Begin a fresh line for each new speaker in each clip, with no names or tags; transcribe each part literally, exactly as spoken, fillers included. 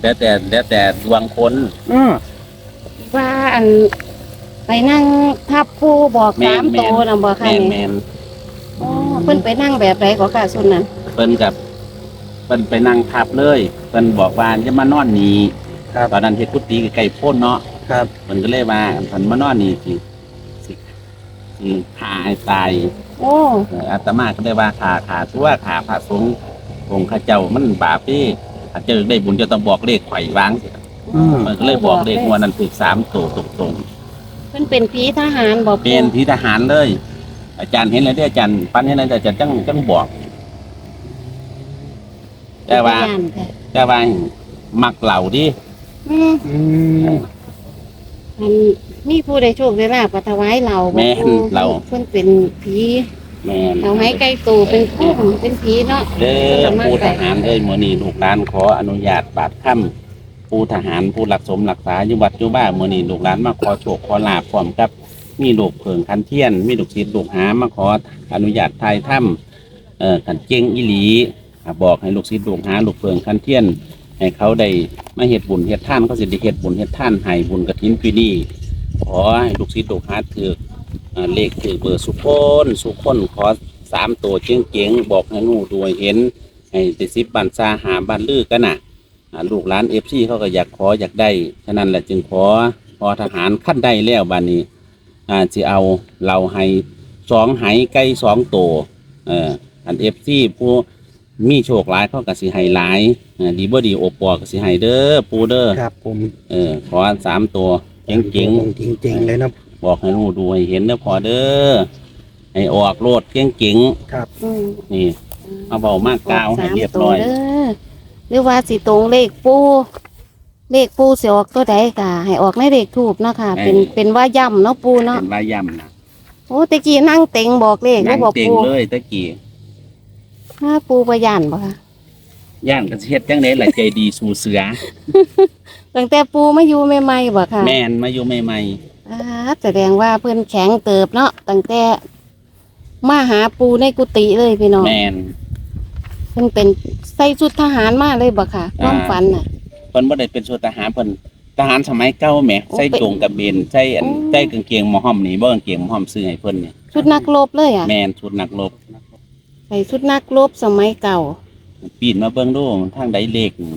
แล้วแต่แล้วแต่ดวงคน
อือ
ว่าอันไปนั่งทับผู้บอกสามโตนะบ่ค่ะ
แม่น
นี่
แม่น
อ๋อเพิ่นไปนั่งแบบไรก็ค่ะส่วนนั้น
เพิ่นกับเพิ่นไปนั่งทับเลยเพิ่นบอกว่าจะมานอนนี่
ครับ
ตอนนั้นเฮ็ดกุฏิใกล้ๆโพ้นเนาะ
ครับ
เพิ่นก็เลยว่าเพิ่นมานอนนี่สิสิสิฆ่าให้ตาย
โอ้
เอ่ออาตมาก็เลยว่าขาขาทั่วขาพระสงฆ์องค์ข้าเจ้ามันบาปที่ถ้าเจอได้บุญจะต้องบอกเลขไขว่วางสิ
อืม
มันก็เลยบอกเลขงวดนั้นถูกสามตัวตรง
เพิ่นเป็นผีทหารบ่
ๆเป็นผีทหารเลย อาจารย์เห็นแล้วที่อาจารย์ปั้นเห็นแล้วอาจารย์จังจังบอก แต่ว่า
ย่านค่ะ
แต่ว่ามักเหล่าดิ
อืม
อืม
อันมีผู้ใดโชคได้ลาบก็ถวายเราบ่
แม่น
ปู่
เรา
เพิ่นเป็นผี
แม่น
เอาให้ไกลตูเป็นคุ้มเป็นผีเนาะ
เด้อผู้ทหารเอ้ยมื้อนี้ลูกหลานขออนุญาตบาดค่ำผู้ทหารผู้รักสมรักษาอยู่วัดอยู่บ้านมื้อนี้ลูกหลานมาขอโชคขอลาภพร้อมกับมีลูกเพิงคันเทียน มีลูกศิษย์ลูกหามาขออนุญาตถ่ายถ้ำเอ่อคันเจงอีหลีอ่ะบอกให้ลูกศิษย์ลูกหาลูกเพิงคันเทียน ให้เขาได้มาเฮ็ดบุญเฮ็ดทานเขาสิได้เฮ็ดบุญเฮ็ดทานให้บุญกฐินปีนี้ขอให้ลูกศิษย์ลูกหาถือเอ่อเลขถือเบอร์สุพนสุพนขอสามตัวเจ๋งๆบอกให้หนูด้วยเห็น ให้ติดสิบบันซาหาบันลือกันน่ะอ่าลูกหลานเอฟซีเขาก็อยากขออยากได้ฉะนั้นแหละจึงขอพอทหารขั้นได้แล้วบานนี้อ่าจะเอาเราให้สองไหไก่สองตัวเอ่ออันเอฟซีผู้มีโชคหลายเขาก็สิให้หลายอ่าดีบ่ดีโอปอก็สิให้เด้อปูเด้อ
ครับผม
เออขอสามตัวเจ๋ง
จริงจริงๆเลยนะ
ๆบอกให้ลูกดูให้เห็นเด้อพอเด้อให้ออกโลดเจ๋ง
ครับ
อืม
ๆนี่เอาเบามากกาวให้เรียบร้อย
สามตัวเด้อหรือว่าสิตรงเลขปูเลขปูสิออกตัวใดก็ให้ออกในเลขถูกเนาะค่ะ เป็น
เออ
เป็นว่าย่ำเนาะปูเนาะ
เป็นว่ายำนะ
โอ้ตะกี้นั่งเต็งบอกเลขแล้
นั่
ว
ง
บอก
เต็ง
ปู
เลยตะกี้
ถ้าปูประยันบ่ค่ะ
ย่านกระเฮ็ดจังได๋ล่ะใจดีสู่เสือ
ตั้งแต่ปูมาอยู่ใหม่ๆบ่ค่ะ
แม่นมาอยู่ใหม่
อ่าแสดงว่าเพิ่นแข็งเติบเนาะตั้งแต่มาหาปูในกุฏิเลยพี่น้อง
ๆแม่น
เพิ่นเป็นใส่ชุดทหารมาเลยบ่ค่ะความฝันน่ะ
เพิ่นบ่ได้เป็นส่วนทหารเพิ่นทหารสมัยเก่าแหม
โอ้
ใส่จงกระเบนใส่อัน
โอ้
ใส่กางเกงหมอห้อมนี่บ่กางเกงหมอห้อมซื้อให้เพิ่นเนี่ย
ชุดนักรบเลยอ่ะ
แม่นชุดนักรบ
ใส่ชุดนักรบสมัยเก่า
ปีนมาเบิ่งดูทางใดเลขนี่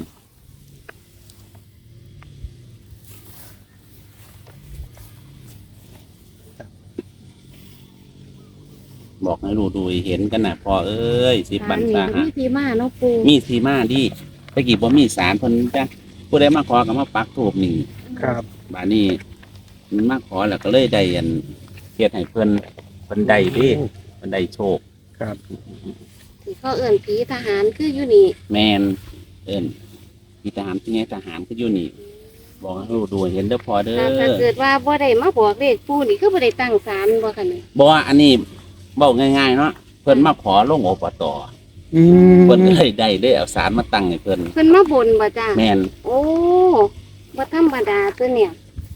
บอกให้รู้ดูให้เห็นกันน่ะพอเอ้ยสิบบันซาหา
มีที่มาเนาะปู
มีสีมาดิตะกี้บ่มีสารเพิ่นจ้ะผู้ใดมาขอก็มาปักธูปนี่
ครับ
บาดนี้มันมาขอแล้วก็เลยได้อันเฮ็ดให้เพิ่นเพิ่นได้เดิเพิ่นได้โชค
ครับ
ที่เขาเอิ่นผีทหารคืออยู่นี่
แม่นเอิ้นพี่ทหารพี่ไงทหารก็อยู่นี่ บอกให้รู้ดูให้เห็นเด้อพอเด้อ
ถ้าถ้าเกิดว่าบ่ได้มาบอกเลขปูนี่คือบ่ได้ตั้งศาลบ่ค่ะนี่
บ่ว่าอันนี้เว้าง่ายๆเนาะเพิ่นมาขอลงอบต
อืม
เพิ่นก็เลยได้ได้เอาสารมาตั้งให้เพิ่น
เพิ่นมาบนบ่จ้า
แม่น
โอ้บ่ธรรมดาตัวเนี่ย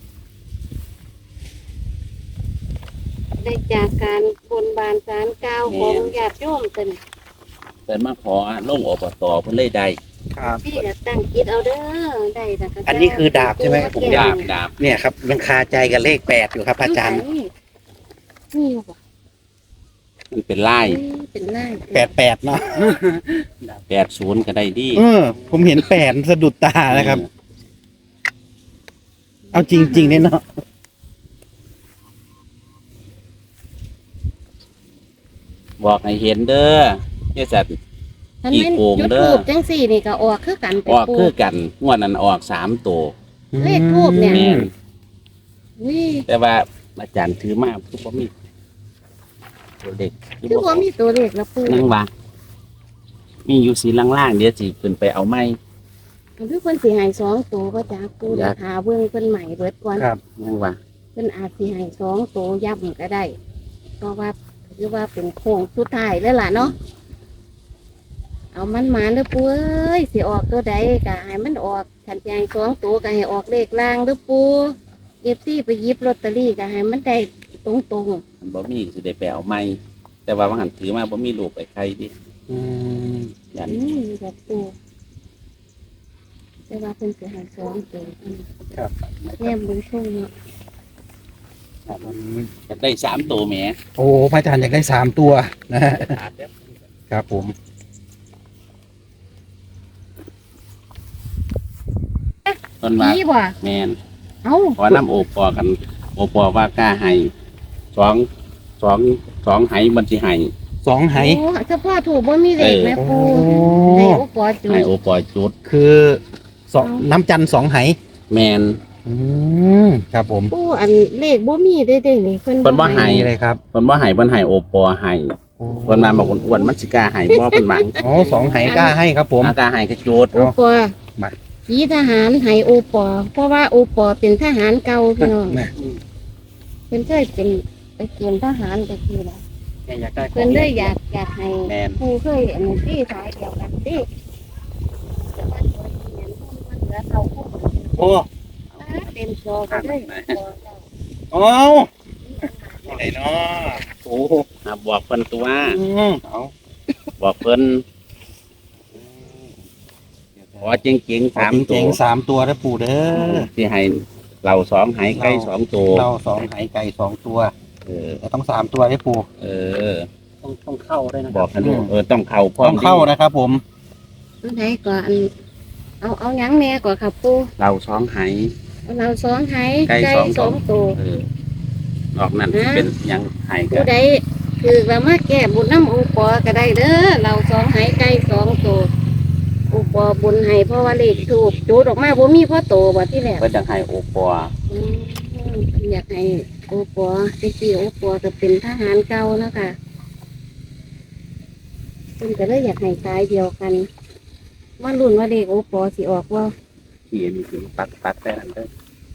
ได้จากการบนบานศาลกล่าวของญาติโยมตัวนี้
เพิ่นมาขอลงอบตเพิ่นเลยได้
ครับ
พี่ก็ตั้งจิตเอาเด้อได้แต่ก็
อันนี้คือดาบใช่ไหมผม
ดาบดาบ
เนี่ยครับยังคาใจกับเลขแปดอยู่ครับอาจารย์
นี่อยู่บ่
มันเป็นลาย
เอ้ยเป็นลาย
แปดแปดเนาะ
แปดศูนย์ก็ได้ดี
เออ ผมเห็นแปดสะดุดตานะครับ เอาจริงๆเนี่ยเนาะ
บอกให้เห็นเด้อเจ้าสัตว์
ท่านแม่น
อีโกง
จุด
เด้อ
ทูบจังสี่นี่ก็ออกคือกันไป
ออก
ปู
คือกันงวดนั้นออกสามตัว
เลขทูบเนี่ย
แม่น
นี่
แต่ว่าอาจารย์ถือมาคือบ่มีตัวเด็ก
คือว่ามีตัวเลขแล้วปู
นั่งว่ามีอยู่สีล่างๆเดี๋ยวสิขึ้นไปเอาไม้
คือเพิ่นสิให้สองตัวก็จ้าปู
อยาก
หาเบิ่งเพิ่นใหม่เบิดก่อน
ครับ
นั่งว่า
เพิ่นอาจสิให้สองตัวย่ำก็ได้ เพราะว่าถือว่าเป็นโค้งสุดท้ายแล้วล่ะเนาะเอามันมาเด้อปูเอ้ยสิออกตัวใดก็ให้มันออกขันสิให้สองตัวก็ให้ออกเลขล่างเด้อปูเอฟซีไปหยิบลอตเตอรี่ก็ให้มันได้ตรงๆ
มันบ่มีสิได้ไปเอาไม้แต่ว่าว่าหันถือมาบ่มีลูกไอ้ใครดิ
อืม
ยัน
นี่แบบปูแต่ว่าเพิ่นสิให้สองตัว
ครับ
แง่บุญทุ่งเนาะ
จะได้สามตัวแหม
โอ้พระอาจารย์อยากได้สามตัวนะฮะครับผม
ต้นว่า
ผีบ่
แมน
เอ้า
ขอน้ำโอปอกัน โอปอว่ากล้าให้สองสองสองไหมันสิให้
สองไห
โอ้เฉพาะถูกบ่มีเลขแม่
โอ้
ปูได้โอ้ปอจุ
ให้
ด
โอปอจุด
คือสองน้ำจันทร์สองไห
แมน
อืมครับผม
ปูอันเลขบ่มีได้ได้นี่เพิ่น
เพิ่นบ่ให้
นี่เลยครับ
เพิ่นบ่ให้เพิ่นให้โอปอให้เพิ่นมาบอกคนอ้วนมันสิกล้าให้บ่เพิ่นหวัง
อ๋อสองไหกล้าให้ครับผม
อากล้าให้ก็จุด
โอปอ
มา
ผีทหารให้โอปอ เพราะว่าโอปอเป็นทหารเก่าพี่น้อง
นะ
เพิ่นเคยเป็นไปเกณฑ์ทหารไปทีละ
อยากได้
เพิ่นเลยอยากอยากให้
แม่น
ผู้เคยอันนี้ที่สายเดียวกันติแต่ว่าตัวนี้เนี่ยมันเหลือเท่าคู่
โอ้
เต็มจอไปเลยจอเจ้า
โอ้อะไรเนาะโอ้
อ่ะบอกเพิ่นตัว
อืมเอา
บอกเพิ่นขอจริงๆ
สา
สาม ม
เจ๋
ตัว
งๆสามตัวนะปู่เด้อ
ที่ให้เราสองไหไก่สองตัว
เราสองไหไก่สองตัว
เออ
แต่ต้องสามตัวได้ปู่
เออ
ต้องต้องเข้าได้นะ
บอกให้ลูกเออต้องเข้าพร้อ
ต้
ม
องเข้านะครับผม
อันไหนก่อนเอาเอาหยังแน่ก่อนครับปู
เราสองไห
เอาเราสองไห้
ไก่
ไก่
สอง
สองตัว
เออ นอกนั้นเป็นหยังไหกั
ผู้
น
ใดคือเรามาแก้บุญน้ำอุปอก็ได้เด้อเราสองไห้ไก่สองตัวอุปอบุญให้เพราะว่าเลขถูกจูดออกมาบ่มีพ่อโตบ่ที่แรก
เพิ่นจะให้โอปอ
อืมอยากให้โอปอจริงๆโอปอจะเป็นทหารเก่านะคะเพิ่นก็เลยอยากให้ตายเดียวกันว่ารุ่นว่าเลขโอปอสิออกว่า
เขียนถึงปักปักได้นั่นเด้อ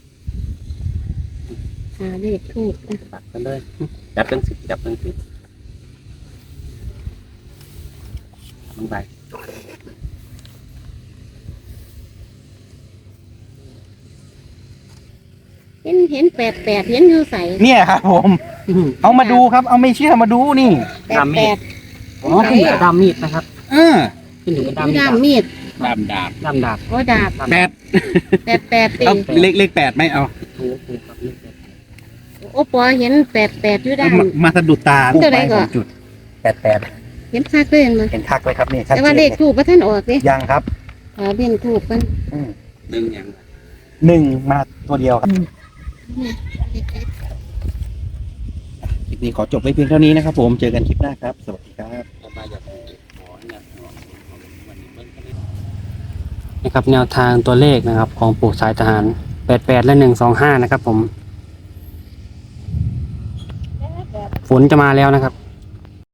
หาเลขถูกนะ
ปักกันเลยจับจังสิจับจังสิลงไป
เห็นเห็นแปดแปดเห็นอยู่ใส
เนี่ยครับผม เอามาดูครับ เอาไม่เชื่อมาดูนี่
แปดแปด
อ๋อขึ้นอยู่กับดามมีดนะครับ
เออ
ขึ้นอยู่กับดาม
มี
มีด
ดามมีด
ดามดาบ
ดามดาบ
โอ้ดาบ
แปด
แปดแปดตี
เอาเลขเลขแปดไหมเอา
ถูกถูกครับ
โอปอเห็นแปดแปดอยู่ด้าน
มามาสะดุดตา
เท่าไหร่ก่อน
จุดแปดแปด
เห็นคักเลยเห็นมั้ย
เห็นคักเลยครับนี่ชัด
แต่
เจ
ว่าน เลขถูกพระท่านออกดิ
ยังครับ
หาเบี้ยนถูกกัน
อืม
หนึ่งหยัง
หนึ่งมาตัวเดียวครับคลิปนี้ขอจบไว้เพียงเท่านี้นะครับผมเจอกันคลิปหน้าครับ สวัสดีครับ
ผมมาจากขอเนี่ยวันนี้เบิ่งกันเลย
นะครับแนวทางตัวเลขนะครับ ของปู่สายทหารแปดแปดและหนึ่งสองห้านะครับผม ฝนจะมาแล้วนะครับ